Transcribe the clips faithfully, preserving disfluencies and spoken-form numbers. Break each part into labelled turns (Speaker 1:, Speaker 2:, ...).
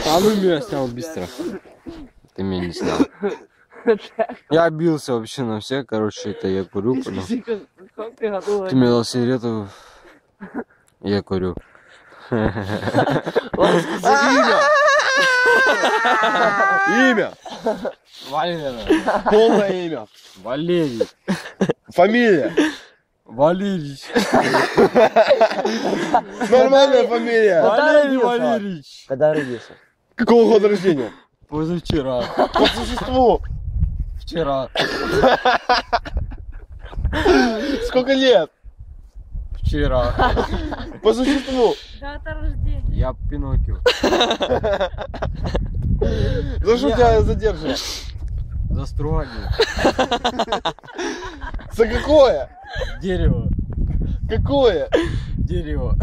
Speaker 1: А ну меня снял быстро. Ты меня не снял. Я бился вообще на все, короче, это я курю. Ты мне дал сигарету, я курю.
Speaker 2: Имя! Имя!
Speaker 1: Валерий.
Speaker 2: Полное имя.
Speaker 1: Валерий.
Speaker 2: Фамилия.
Speaker 1: Валерий.
Speaker 2: Нормальная фамилия.
Speaker 1: Валерий Валерьевич.
Speaker 3: Когда родился?
Speaker 2: Какого года рождения?
Speaker 1: Позавчера.
Speaker 2: По существу.
Speaker 1: Вчера.
Speaker 2: Сколько лет?
Speaker 1: Вчера.
Speaker 2: По существу.
Speaker 4: Дата рождения.
Speaker 1: Я Пиноккио.
Speaker 2: За что тебя задержали?
Speaker 1: За стругание.
Speaker 2: За какое?
Speaker 1: Дерево.
Speaker 2: Какое?
Speaker 1: Дерево.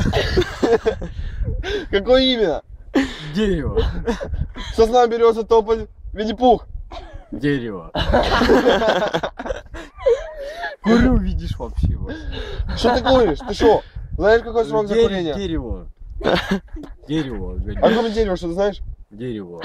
Speaker 2: Какое именно?
Speaker 1: Дерево.
Speaker 2: Сосна, береза, тополь, Винни-Пух.
Speaker 1: Дерево. Курю, видишь, вообще. Вот.
Speaker 2: Что ты куришь? Ты что? Знаешь, какой срок за
Speaker 1: Дере-
Speaker 2: курение?
Speaker 1: Дерево. Дерево.
Speaker 2: А кроме дерева, что ты знаешь?
Speaker 1: Дерево.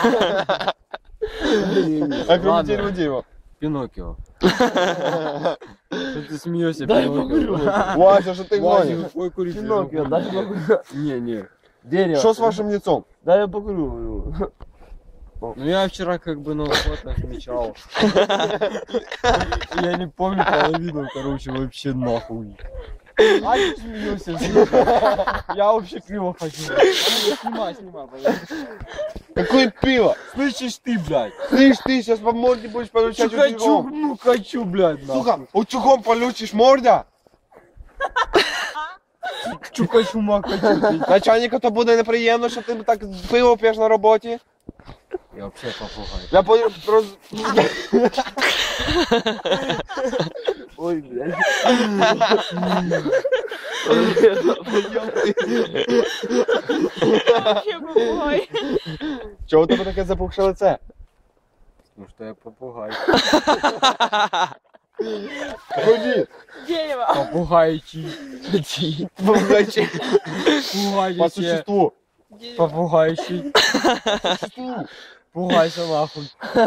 Speaker 2: А кроме
Speaker 1: Ладно.
Speaker 2: дерева, дерева.
Speaker 1: Пиноккио. Что ты смеешься, Пиноккио?
Speaker 2: Вася, что ты
Speaker 1: Вася,
Speaker 2: гонишь?
Speaker 1: ой, курить.
Speaker 3: Пиноккио, дай я покурю.
Speaker 1: Не, не.
Speaker 3: Дерево.
Speaker 2: Что с вашим лицом?
Speaker 3: Дай я покурю.
Speaker 1: Ну я вчера как бы на уход отмечал. Я не помню половину, короче, вообще нахуй. А ты смеешься? Я вообще пиво хочу. Снимай, снимай, пожалуйста.
Speaker 2: Какое пиво?
Speaker 1: Слышишь ты, блядь?
Speaker 2: Слышь, ты сейчас по морде будешь получать
Speaker 1: Хочу,
Speaker 2: утюгом.
Speaker 1: ну хочу, блядь, нахуй.
Speaker 2: Сука, утюгом получишь морда?
Speaker 1: Чукачу, макачу.
Speaker 2: Начальника то буде неприємно, що ти так пиво п'єш на роботі.
Speaker 1: Я вообще попугай.
Speaker 2: Я понял, просто...
Speaker 3: Ой, блядь.
Speaker 4: Вообще попугай.
Speaker 2: Чого у тебе таке запухше лице?
Speaker 1: Ну что я попугай.
Speaker 2: Ході.
Speaker 4: Дерево.
Speaker 1: Попугайчик.
Speaker 2: Попугайчик. По
Speaker 1: Пугайчик.
Speaker 2: существу.
Speaker 1: Попугайчик. Пугайся нахуй.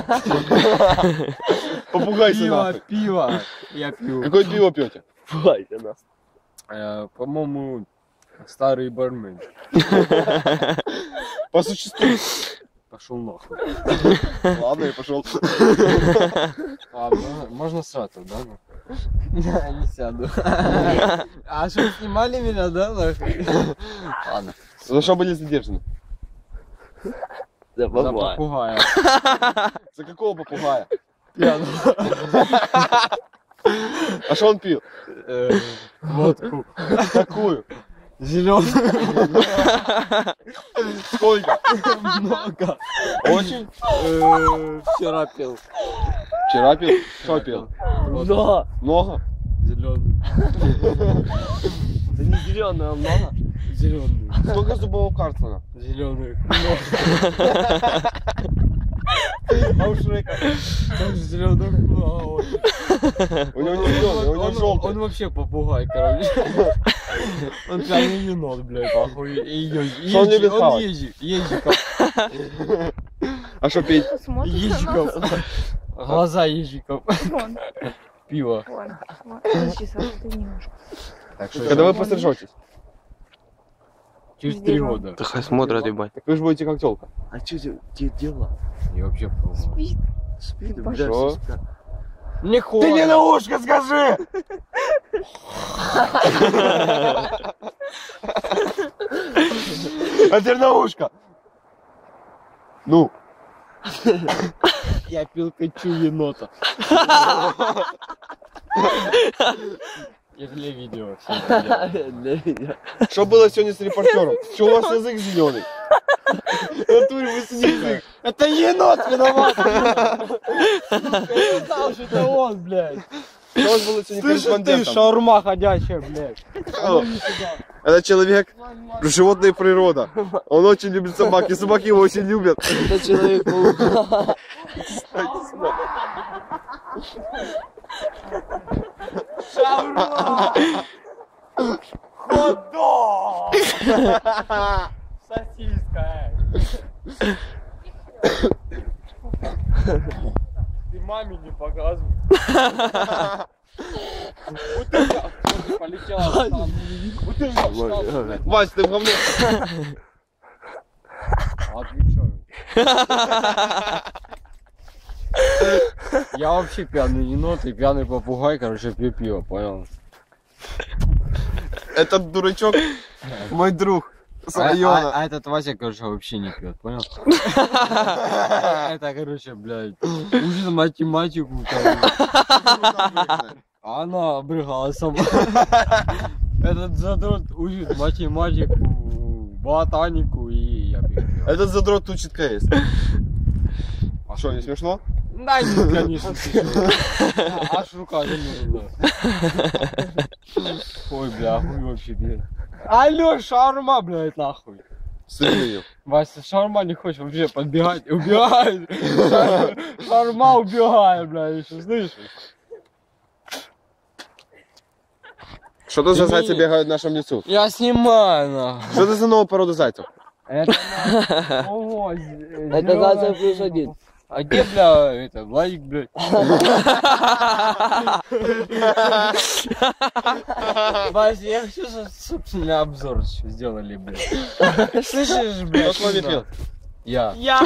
Speaker 2: Попугайся
Speaker 1: Пиво,
Speaker 2: нахуй.
Speaker 1: пиво. Я пью.
Speaker 2: Какое пиво пьете?
Speaker 3: Пугайся нас.
Speaker 1: Э, По-моему, старый бармен.
Speaker 2: По существу.
Speaker 1: Пошел нахуй.
Speaker 2: Ладно, я пошел.
Speaker 1: А, можно- можно сразу, да? ну? Я не сяду. А что, снимали меня, да? нахуй? Ладно.
Speaker 2: За что были задержаны?
Speaker 3: Да,
Speaker 1: За
Speaker 3: бабай.
Speaker 1: попугая.
Speaker 2: За какого попугая?
Speaker 1: Пьяного.
Speaker 2: А что он пил?
Speaker 1: Э, Водку.
Speaker 2: Какую?
Speaker 1: Зеленую.
Speaker 2: Сколько?
Speaker 1: Много.
Speaker 2: Очень?
Speaker 1: Э, Вчера пил.
Speaker 2: Вчера пил? Что пил?
Speaker 3: Да.
Speaker 2: Много?
Speaker 1: Зеленую.
Speaker 3: Да не зеленый, а много.
Speaker 1: Зеленую.
Speaker 2: Сколько зубов у Карлсона?
Speaker 1: Зеленую. А у Шрека тоже зеленых много.
Speaker 2: У него не зеленый, у него
Speaker 1: Он,
Speaker 2: желтый.
Speaker 1: он вообще попугай, короче. Он пьяный енот, блядь, нахуй. И езжи-
Speaker 2: Что он
Speaker 1: езжи-
Speaker 2: любит
Speaker 1: Он
Speaker 2: хавать?
Speaker 1: езжи- езжиков.
Speaker 2: А что пить?
Speaker 4: Смотрит на
Speaker 1: Ежиков.
Speaker 4: нас.
Speaker 1: Глаза ежиков.
Speaker 4: Вон,
Speaker 1: Пиво.
Speaker 4: вон, вон. Подожди, Саша, ты немножко.
Speaker 1: Так что
Speaker 2: Когда вы пострижетесь?
Speaker 1: через три года.
Speaker 3: Да хай смотрят, ебать.
Speaker 2: Так вы же будете как телка.
Speaker 3: А что тебе дела?
Speaker 1: Я вообще попугай.
Speaker 4: Спит.
Speaker 3: Спит,
Speaker 4: Ты
Speaker 3: блядь,
Speaker 2: пошёл.
Speaker 3: все спят.
Speaker 1: Не
Speaker 2: Ты мне на ушко скажи! А теперь на ушко. Ну.
Speaker 1: Я пил качу енота. Я для видео. всё это делаю.
Speaker 3: Для меня.
Speaker 2: Что было сегодня с репортером? Что у вас язык зеленый? В натуре высуни язык.
Speaker 1: Это енот виноват! Я знал, что это он, блядь.
Speaker 2: Что у вас было сегодня
Speaker 1: Слышишь ты,
Speaker 2: корреспондентом?
Speaker 1: шаурма ходячая, блядь.
Speaker 2: О, Это человек, животное и природа. Он очень любит собак, и собаки его очень любят.
Speaker 3: Это Человек-паук.
Speaker 1: Шаурма! Хот-дог! Сосиска, эй.
Speaker 3: Ты маме не показывай. Вот это полетела. Вот это.
Speaker 2: Вась, ты в говне.
Speaker 1: Отвечаю. Я вообще пьяный енот и пьяный попугай, короче, пью пиво, понял?
Speaker 2: Этот дурачок мой друг с
Speaker 1: А, а-
Speaker 2: района.
Speaker 1: а этот Вася, короче, вообще не пьет, понял? Это, короче, блядь, учит математику. там. А она обрыгалась сама. Этот задрот учит математику, ботанику и я пью пиво.
Speaker 2: Этот задрот учит КС. А что, не смешно?
Speaker 1: Да, нет, конечно, смешно. Аж рука замерзла. Ой, бля, хуй вообще, блядь. Алло, шаурма, блядь, нахуй.
Speaker 2: Сыграю.
Speaker 1: Вася, шаурма не хочешь вообще подбегать, убегает. Шаурма убегает, блядь, еще слышишь?
Speaker 2: Что это за
Speaker 1: Ты
Speaker 2: зайцы
Speaker 1: не-
Speaker 2: бегают в нашем лесу?
Speaker 1: Я снимаю, нахуй.
Speaker 2: Что это за новая порода зайцев?
Speaker 1: Это на- Ого,
Speaker 3: Это
Speaker 1: зелёная
Speaker 3: Зайцев плюс
Speaker 1: штука.
Speaker 3: один.
Speaker 1: А где, бля, это, Владик, блядь? Вася, я хочу, чтобы собственный обзор сделали, блядь. Слышишь, блядь?
Speaker 2: Кто с вами пил?
Speaker 1: Я.
Speaker 4: Я.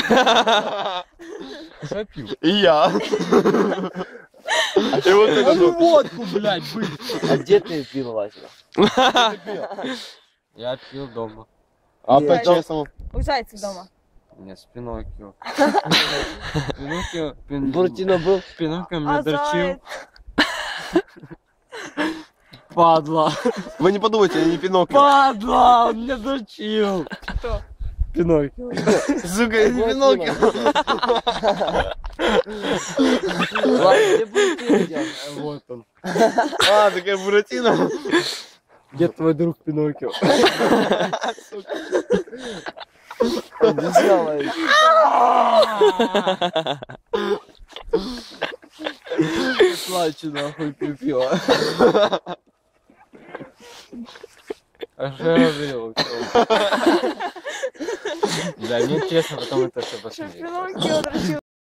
Speaker 1: Что пил?
Speaker 2: И я. И вот это
Speaker 1: Ну
Speaker 2: вот.
Speaker 1: водку, блядь, быть.
Speaker 3: А где ты пил, Вася?
Speaker 1: Я пил дома.
Speaker 2: А
Speaker 3: Нет.
Speaker 2: по-честному?
Speaker 4: У зайцев дома.
Speaker 1: Нет, с Пиноккио. Пиноккио, пин...
Speaker 3: Буратино был?
Speaker 1: Пиноккио меня
Speaker 4: А
Speaker 1: дрочил.
Speaker 4: заяц?
Speaker 1: Падла.
Speaker 2: Вы не подумайте, я не Пиноккио.
Speaker 1: Падла, он меня дрочил.
Speaker 4: Кто?
Speaker 1: Пиноккио.
Speaker 2: Сука, я не Пиноккио.
Speaker 3: Ладно, где Буратино делал?
Speaker 1: Вот он.
Speaker 2: А, такая Буратино.
Speaker 1: Где твой друг Пиноккио?
Speaker 3: Он не знал, а
Speaker 1: Плачу нахуй, пью пиво. А что я говорил? Да, мне интересно потом это все
Speaker 4: Что
Speaker 1: посмотреть.
Speaker 4: Пиноккио дрочил?